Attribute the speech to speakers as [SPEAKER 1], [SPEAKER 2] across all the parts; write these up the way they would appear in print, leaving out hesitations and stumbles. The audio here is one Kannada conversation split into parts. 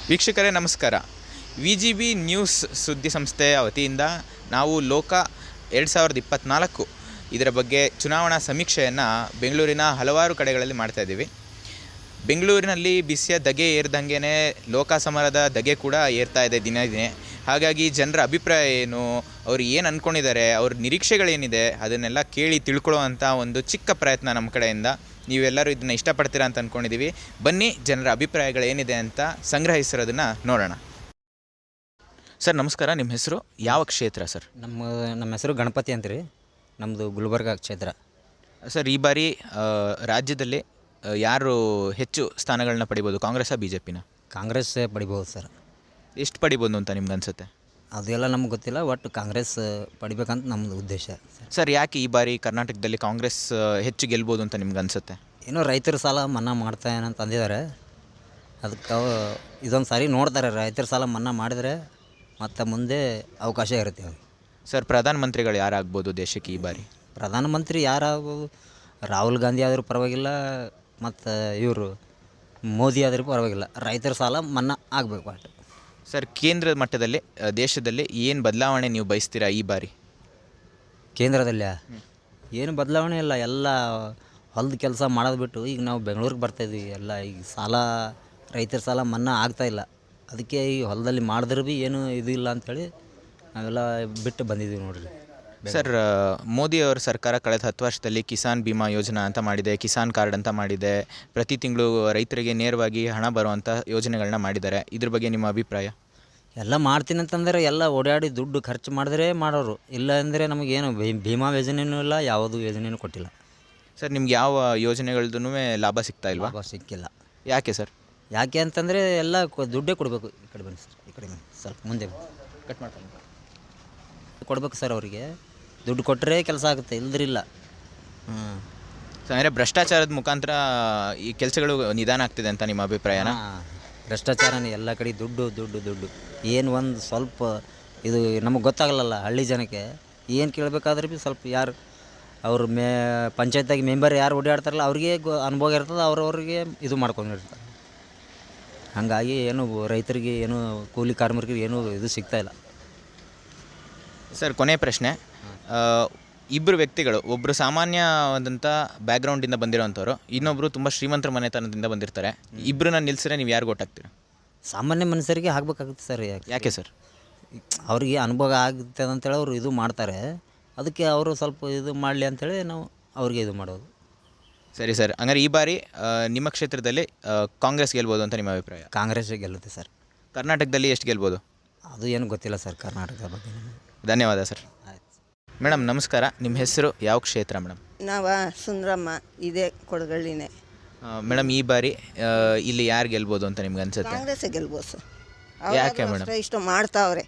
[SPEAKER 1] ವೀಕ್ಷಕರೇ ನಮಸ್ಕಾರ. VGB ನ್ಯೂಸ್ ಸುದ್ದಿ ಸಂಸ್ಥೆಯ ವತಿಯಿಂದ ನಾವು ಲೋಕ 2024 ಇದರ ಬಗ್ಗೆ ಚುನಾವಣಾ ಸಮೀಕ್ಷೆಯನ್ನು ಬೆಂಗಳೂರಿನ ಹಲವಾರು ಕಡೆಗಳಲ್ಲಿ ಮಾಡ್ತಾಯಿದ್ದೀವಿ. ಬೆಂಗಳೂರಿನಲ್ಲಿ ಬಿಸಿಯ ಧಗೆ ಏರ್ದಂಗೆ ಲೋಕ ಸಮರದ ಧಗೆ ಕೂಡ ಏರ್ತಾ ಇದೆ ದಿನೇ ದಿನೇ. ಹಾಗಾಗಿ ಜನರ ಅಭಿಪ್ರಾಯ ಏನು, ಅವರು ಏನು ಅಂದ್ಕೊಂಡಿದ್ದಾರೆ, ಅವ್ರ ನಿರೀಕ್ಷೆಗಳೇನಿದೆ ಅದನ್ನೆಲ್ಲ ಕೇಳಿ ತಿಳ್ಕೊಳ್ಳೋವಂಥ ಒಂದು ಚಿಕ್ಕ ಪ್ರಯತ್ನ ನಮ್ಮ ಕಡೆಯಿಂದ. ನೀವೆಲ್ಲರೂ ಇದನ್ನು ಇಷ್ಟಪಡ್ತೀರಾ ಅಂತ ಅಂದ್ಕೊಂಡಿದ್ದೀವಿ. ಬನ್ನಿ ಜನರ ಅಭಿಪ್ರಾಯಗಳೇನಿದೆ ಅಂತ ಸಂಗ್ರಹಿಸಿರೋದನ್ನು ನೋಡೋಣ. ಸರ್ ನಮಸ್ಕಾರ, ನಿಮ್ಮ ಹೆಸರು, ಯಾವ ಕ್ಷೇತ್ರ ಸರ್?
[SPEAKER 2] ನಮ್ಮ ಹೆಸರು ಗಣಪತಿ ಅಂತ ರೀ. ನಮ್ಮದು ಗುಲ್ಬರ್ಗ ಕ್ಷೇತ್ರ.
[SPEAKER 1] ಸರ್, ಈ ಬಾರಿ ರಾಜ್ಯದಲ್ಲಿ ಯಾರು ಹೆಚ್ಚು ಸ್ಥಾನಗಳನ್ನ ಪಡಿಬೋದು, ಕಾಂಗ್ರೆಸ್ಸಾ BJPನ?
[SPEAKER 2] ಕಾಂಗ್ರೆಸ್ ಪಡಿಬೋದು ಸರ್.
[SPEAKER 1] ಎಷ್ಟು ಪಡಿಬೋದು ಅಂತ ನಿಮ್ಗೆ ಅನಿಸುತ್ತೆ?
[SPEAKER 2] ಅದೆಲ್ಲ ನಮ್ಗೆ ಗೊತ್ತಿಲ್ಲ, ಒಟ್ಟು ಕಾಂಗ್ರೆಸ್ ಪಡಿಬೇಕಂತ ನಮ್ಮದು ಉದ್ದೇಶ.
[SPEAKER 1] ಸರ್, ಯಾಕೆ ಈ ಬಾರಿ ಕರ್ನಾಟಕದಲ್ಲಿ ಕಾಂಗ್ರೆಸ್ ಹೆಚ್ಚು ಗೆಲ್ಬೋದು ಅಂತ ನಿಮ್ಗೆ ಅನಿಸುತ್ತೆ?
[SPEAKER 2] ಏನೋ ರೈತರ ಸಾಲ ಮನ್ನಾ ಮಾಡ್ತಾ ಏನಂತ ಅಂದಿದ್ದಾರೆ. ಅದಕ್ಕೆ ಇದೊಂದು ಸಾರಿ ನೋಡ್ತಾರೆ, ರೈತರ ಸಾಲ ಮನ್ನಾ ಮಾಡಿದರೆ ಮತ್ತು ಮುಂದೆ ಅವಕಾಶ ಇರುತ್ತೆ ಅವ್ರಿಗೆ.
[SPEAKER 1] ಸರ್, ಪ್ರಧಾನಮಂತ್ರಿಗಳು ಯಾರಾಗ್ಬೋದು ದೇಶಕ್ಕೆ ಈ ಬಾರಿ?
[SPEAKER 2] ಪ್ರಧಾನಮಂತ್ರಿ ಯಾರಾಗ್ಬೋದು? ರಾಹುಲ್ ಗಾಂಧಿ ಆದರೂ ಪರವಾಗಿಲ್ಲ, ಮತ್ತು ಇವರು ಮೋದಿ ಆದರೂ ಪರವಾಗಿಲ್ಲ. ರೈತರ ಸಾಲ ಮನ್ನಾ ಆಗಬೇಕು ಅಷ್ಟು.
[SPEAKER 1] ಸರ್, ಕೇಂದ್ರ ಮಟ್ಟದಲ್ಲಿ ದೇಶದಲ್ಲಿ ಏನು ಬದಲಾವಣೆ ನೀವು ಬಯಸ್ತೀರಾ ಈ ಬಾರಿ?
[SPEAKER 2] ಕೇಂದ್ರದಲ್ಲಿ ಏನು ಬದಲಾವಣೆ ಇಲ್ಲ, ಎಲ್ಲ ಹೊಲದ ಕೆಲಸ ಮಾಡೋದು ಬಿಟ್ಟು ಈಗ ನಾವು ಬೆಂಗಳೂರಿಗೆ ಬರ್ತಾಯಿದ್ವಿ. ಎಲ್ಲ ಈಗ ಸಾಲ, ರೈತರ ಸಾಲ ಮನ್ನಾ ಆಗ್ತಾಯಿಲ್ಲ. ಅದಕ್ಕೆ ಈ ಹೊಲದಲ್ಲಿ ಮಾಡಿದ್ರೆ ಭೀ ಏನು ಇದು ಇಲ್ಲ ಅಂಥೇಳಿ ನಾವೆಲ್ಲ ಬಿಟ್ಟು ಬಂದಿದ್ದೀವಿ ನೋಡಿರಿ.
[SPEAKER 1] ಸರ್, ಮೋದಿಯವರ ಸರ್ಕಾರ ಕಳೆದ 10 ವರ್ಷದಲ್ಲಿ ಕಿಸಾನ್ ಬಿಮಾ ಯೋಜನಾ ಅಂತ ಮಾಡಿದೆ, ಕಿಸಾನ್ ಕಾರ್ಡ್ ಅಂತ ಮಾಡಿದೆ, ಪ್ರತಿ ತಿಂಗಳು ರೈತರಿಗೆ ನೇರವಾಗಿ ಹಣ ಬರುವಂಥ ಯೋಜನೆಗಳನ್ನ ಮಾಡಿದ್ದಾರೆ. ಇದ್ರ ಬಗ್ಗೆ ನಿಮ್ಮ ಅಭಿಪ್ರಾಯ?
[SPEAKER 2] ಎಲ್ಲ ಮಾಡ್ತೀನಿ ಅಂತಂದರೆ ಎಲ್ಲ ಓಡಾಡಿ ದುಡ್ಡು ಖರ್ಚು ಮಾಡಿದ್ರೆ ಮಾಡೋರು, ಇಲ್ಲ ಅಂದರೆ ನಮಗೇನು ಭೀಮಾ ಯೋಜನೆಯೂ ಇಲ್ಲ, ಯಾವುದೂ ಯೋಜನೆಯೂ ಕೊಟ್ಟಿಲ್ಲ.
[SPEAKER 1] ಸರ್, ನಿಮ್ಗೆ ಯಾವ ಯೋಜನೆಗಳದ್ದು ಲಾಭ ಸಿಗ್ತಾ ಇಲ್ವಾ?
[SPEAKER 2] ಲಾಭ ಸಿಕ್ಕಿಲ್ಲ.
[SPEAKER 1] ಯಾಕೆ ಸರ್?
[SPEAKER 2] ಯಾಕೆ ಅಂತಂದರೆ ಎಲ್ಲ ದುಡ್ಡೇ ಕೊಡಬೇಕು. ಈ ಕಡೆ ಬನ್ನಿ ಸರ್, ಈ ಕಡೆ ಬನ್ನಿ, ಸ್ವಲ್ಪ ಮುಂದೆ
[SPEAKER 1] ಕಟ್ ಮಾಡ್ಕೊಂಡು
[SPEAKER 2] ಕೊಡಬೇಕು ಸರ್. ಅವರಿಗೆ ದುಡ್ಡು ಕೊಟ್ಟರೆ ಕೆಲಸ ಆಗುತ್ತೆ, ಇಲ್ದಿರಿಲ್ಲ.
[SPEAKER 1] ಸೊ ಅಂದರೆ ಭ್ರಷ್ಟಾಚಾರದ ಮುಖಾಂತರ ಈ ಕೆಲಸಗಳು ನಿಧಾನ ಆಗ್ತಿದೆ ಅಂತ ನಿಮ್ಮ ಅಭಿಪ್ರಾಯನ?
[SPEAKER 2] ಭ್ರಷ್ಟಾಚಾರನೇ ಎಲ್ಲ ಕಡೆ, ದುಡ್ಡು ದುಡ್ಡು ದುಡ್ಡು. ಏನು ಒಂದು ಸ್ವಲ್ಪ ಇದು ನಮಗೆ ಗೊತ್ತಾಗಲ್ಲ ಹಳ್ಳಿ ಜನಕ್ಕೆ. ಏನು ಕೇಳಬೇಕಾದ್ರೆ ಭೀ ಸ್ವಲ್ಪ ಯಾರು ಅವ್ರ ಪಂಚಾಯತ್ಯಾಗ ಮೆಂಬರ್ ಯಾರು ಓಡಾಡ್ತಾರಲ್ಲ ಅವ್ರಿಗೆ ಅನುಭವ ಇರ್ತದೆ, ಅವ್ರವ್ರಿಗೆ ಇದು ಮಾಡ್ಕೊಂಡಿರ್ತಾರೆ. ಹಾಗಾಗಿ ಏನು ರೈತರಿಗೆ ಏನು ಕೂಲಿ ಕಾರ್ಮಿಕರಿಗೆ ಏನು ಇದು ಸಿಗ್ತಾಯಿಲ್ಲ.
[SPEAKER 1] ಸರ್, ಕೊನೆ ಪ್ರಶ್ನೆ. ಇಬ್ಬರು ವ್ಯಕ್ತಿಗಳು, ಒಬ್ಬರು ಸಾಮಾನ್ಯವಾದಂಥ ಬ್ಯಾಕ್ಗ್ರೌಂಡಿಂದ ಬಂದಿರೋವಂಥವ್ರು, ಇನ್ನೊಬ್ಬರು ತುಂಬ ಶ್ರೀಮಂತರ ಮನೆತನದಿಂದ ಬಂದಿರ್ತಾರೆ. ಇಬ್ಬರನ್ನ ನಿಲ್ಲಿಸಿದ್ರೆ ನೀವು ಯಾರು ಗೊತ್ತಾಗ್ತೀರಾ?
[SPEAKER 2] ಸಾಮಾನ್ಯ ಮನುಷ್ಯರಿಗೆ ಆಗಬೇಕಾಗುತ್ತೆ ಸರ್.
[SPEAKER 1] ಯಾಕೆ ಸರ್?
[SPEAKER 2] ಅವ್ರಿಗೆ ಅನುಭವ ಆಗುತ್ತೆ ಅಂತೇಳಿ ಅವರು ಇದು ಮಾಡ್ತಾರೆ. ಅದಕ್ಕೆ ಅವರು ಸ್ವಲ್ಪ ಇದು ಮಾಡಲಿ ಅಂಥೇಳಿ ನಾವು ಅವ್ರಿಗೆ ಇದು ಮಾಡೋದು.
[SPEAKER 1] ಸರಿ ಸರ್, ಹಂಗಾರೆ ಈ ಬಾರಿ ನಿಮ್ಮ ಕ್ಷೇತ್ರದಲ್ಲಿ ಕಾಂಗ್ರೆಸ್ ಗೆಲ್ಬೋದು ಅಂತ ನಿಮ್ಮ ಅಭಿಪ್ರಾಯ?
[SPEAKER 2] ಕಾಂಗ್ರೆಸ್ ಗೆಲ್ಲುತ್ತೆ ಸರ್.
[SPEAKER 1] ಕರ್ನಾಟಕದಲ್ಲಿ ಎಷ್ಟು ಗೆಲ್ಬೋದು?
[SPEAKER 2] ಅದು ಏನು ಗೊತ್ತಿಲ್ಲ ಸರ್ ಕರ್ನಾಟಕದ ಬಗ್ಗೆ.
[SPEAKER 1] ಧನ್ಯವಾದ ಸರ್.
[SPEAKER 2] ಆಯ್ತು
[SPEAKER 1] ಮೇಡಮ್ ನಮಸ್ಕಾರ, ನಿಮ್ಮ ಹೆಸರು, ಯಾವ ಕ್ಷೇತ್ರ ಮೇಡಮ್?
[SPEAKER 3] ಸುಂದ್ರಮ್ಮ, ಇದೇ ಕೊಡಗಳ್ಳಿನೇ.
[SPEAKER 1] ಮೇಡಮ್, ಈ ಬಾರಿ ಇಲ್ಲಿ ಯಾರು ಗೆಲ್ಬೋದು ಅಂತ ನಿಮ್ಗೆ ಅನ್ಸುತ್ತೆ?
[SPEAKER 3] ಕಾಂಗ್ರೆಸ್ ಗೆಲ್ಬೋದು ಸರ್.
[SPEAKER 1] ಯಾಕೆ ಮೇಡಮ್?
[SPEAKER 3] ಇಷ್ಟು ಮಾಡ್ತಾವ್ರೆ.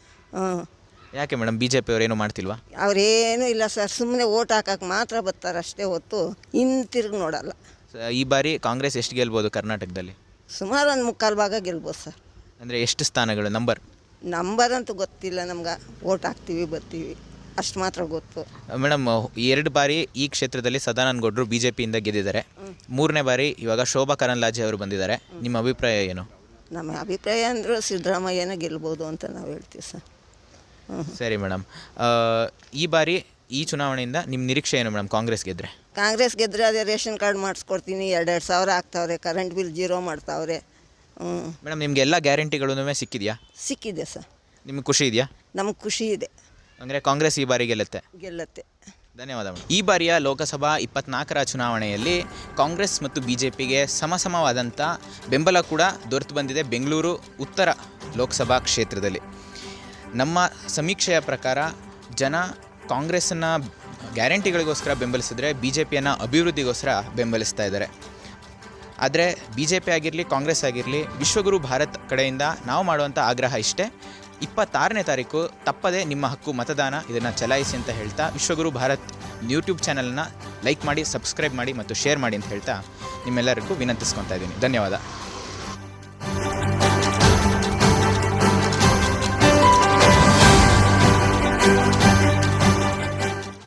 [SPEAKER 1] ಯಾಕೆ ಮೇಡಮ್, BJP ಅವ್ರೇನು ಮಾಡ್ತಿಲ್ವಾ?
[SPEAKER 3] ಅವ್ರೇನೂ ಇಲ್ಲ ಸರ್, ಸುಮ್ಮನೆ ಓಟ್ ಹಾಕಕ್ಕೆ ಮಾತ್ರ ಬರ್ತಾರೆ ಅಷ್ಟೇ ಹೊತ್ತು ಹಿಂತಿರುಗಿ ನೋಡಲ್ಲ.
[SPEAKER 1] ಈ ಬಾರಿ ಕಾಂಗ್ರೆಸ್ ಎಷ್ಟು ಗೆಲ್ಬೋದು ಕರ್ನಾಟಕದಲ್ಲಿ?
[SPEAKER 3] ಸುಮಾರು ಒಂದು 3/4 ಭಾಗ ಗೆಲ್ಬೋದು ಸರ್.
[SPEAKER 1] ಅಂದರೆ ಎಷ್ಟು ಸ್ಥಾನಗಳು?
[SPEAKER 3] ನಂಬರ್ ಅಂತೂ ಗೊತ್ತಿಲ್ಲ ನಮ್ಗೆ. ಓಟ್ ಹಾಕ್ತೀವಿ ಬರ್ತೀವಿ ಅಷ್ಟು ಮಾತ್ರ ಗೊತ್ತು.
[SPEAKER 1] ಮೇಡಮ್, 2 ಬಾರಿ ಈ ಕ್ಷೇತ್ರದಲ್ಲಿ ಸದಾನಂದ ಗೌಡರು BJPಯಿಂದ ಗೆದ್ದಿದ್ದಾರೆ. 3ನೇ ಬಾರಿ ಇವಾಗ ಶೋಭಾ ಕರಂದ್ಲಾಜೆ ಅವರು ಬಂದಿದ್ದಾರೆ. ನಿಮ್ಮ ಅಭಿಪ್ರಾಯ ಏನು?
[SPEAKER 3] ನಮ್ಮ ಅಭಿಪ್ರಾಯ ಅಂದರೂ ಸಿದ್ದರಾಮಯ್ಯನ ಗೆಲ್ಬೋದು ಅಂತ ನಾವು ಹೇಳ್ತೀವಿ ಸರ್.
[SPEAKER 1] ಸರಿ ಮೇಡಮ್, ಈ ಬಾರಿ ಈ ಚುನಾವಣೆಯಿಂದ ನಿಮ್ಮ ನಿರೀಕ್ಷೆ ಏನು ಮೇಡಮ್? ಕಾಂಗ್ರೆಸ್ ಗೆದ್ದರೆ?
[SPEAKER 3] ಕಾಂಗ್ರೆಸ್ ಗೆದ್ದರೆ ಅದೇ ರೇಷನ್ ಕಾರ್ಡ್ ಮಾಡಿಸ್ಕೊಡ್ತೀನಿ, 2 ಸಾವಿರ ಆಗ್ತಾವ್ರೆ, ಕರೆಂಟ್ ಬಿಲ್ 0 ಮಾಡ್ತಾವ್ರೆ.
[SPEAKER 1] ಮೇಡಮ್, ನಿಮಗೆ ಎಲ್ಲ ಗ್ಯಾರಂಟಿಗಳೂ ಸಿಕ್ಕಿದೆಯಾ?
[SPEAKER 3] ಸಿಕ್ಕಿದೆ ಸರ್.
[SPEAKER 1] ನಿಮಗೆ ಖುಷಿ ಇದೆಯಾ?
[SPEAKER 3] ನಮಗೆ ಖುಷಿ ಇದೆ.
[SPEAKER 1] ಅಂದರೆ ಕಾಂಗ್ರೆಸ್ ಈ ಬಾರಿ ಗೆಲ್ಲುತ್ತೆ?
[SPEAKER 3] ಗೆಲ್ಲುತ್ತೆ.
[SPEAKER 1] ಧನ್ಯವಾದ ಮೇಡಮ್. ಈ ಬಾರಿಯ ಲೋಕಸಭಾ 24ರ ಚುನಾವಣೆಯಲ್ಲಿ ಕಾಂಗ್ರೆಸ್ ಮತ್ತು BJPಗೆ ಸಮಸಮವಾದಂಥ ಬೆಂಬಲ ಕೂಡ ದೊರೆತು ಬಂದಿದೆ ಬೆಂಗಳೂರು ಉತ್ತರ ಲೋಕಸಭಾ ಕ್ಷೇತ್ರದಲ್ಲಿ. ನಮ್ಮ ಸಮೀಕ್ಷೆಯ ಪ್ರಕಾರ ಜನ ಕಾಂಗ್ರೆಸ್ಸನ್ನು ಗ್ಯಾರಂಟಿಗಳಿಗೋಸ್ಕರ ಬೆಂಬಲಿಸಿದರೆ BJPಯನ್ನು ಅಭಿವೃದ್ಧಿಗೋಸ್ಕರ ಬೆಂಬಲಿಸ್ತಾ ಇದ್ದಾರೆ. ಆದರೆ BJP ಆಗಿರಲಿ ಕಾಂಗ್ರೆಸ್ ಆಗಿರಲಿ, ವಿಶ್ವಗುರು ಭಾರತ್ ಕಡೆಯಿಂದ ನಾವು ಮಾಡುವಂಥ ಆಗ್ರಹ ಇಷ್ಟೇ: 26ನೇ ತಾರೀಕು ತಪ್ಪದೆ ನಿಮ್ಮ ಹಕ್ಕು ಮತದಾನ, ಇದನ್ನು ಚಲಾಯಿಸಿ ಅಂತ ಹೇಳ್ತಾ, ವಿಶ್ವಗುರು ಭಾರತ್ ಯೂಟ್ಯೂಬ್ ಚಾನಲ್ನ ಲೈಕ್ ಮಾಡಿ, ಸಬ್ಸ್ಕ್ರೈಬ್ ಮಾಡಿ ಮತ್ತು ಶೇರ್ ಮಾಡಿ ಅಂತ ಹೇಳ್ತಾ ನಿಮ್ಮೆಲ್ಲರಿಗೂ ವಿನಂತಿಸ್ಕೊತಾ ಇದ್ದೀನಿ. ಧನ್ಯವಾದ.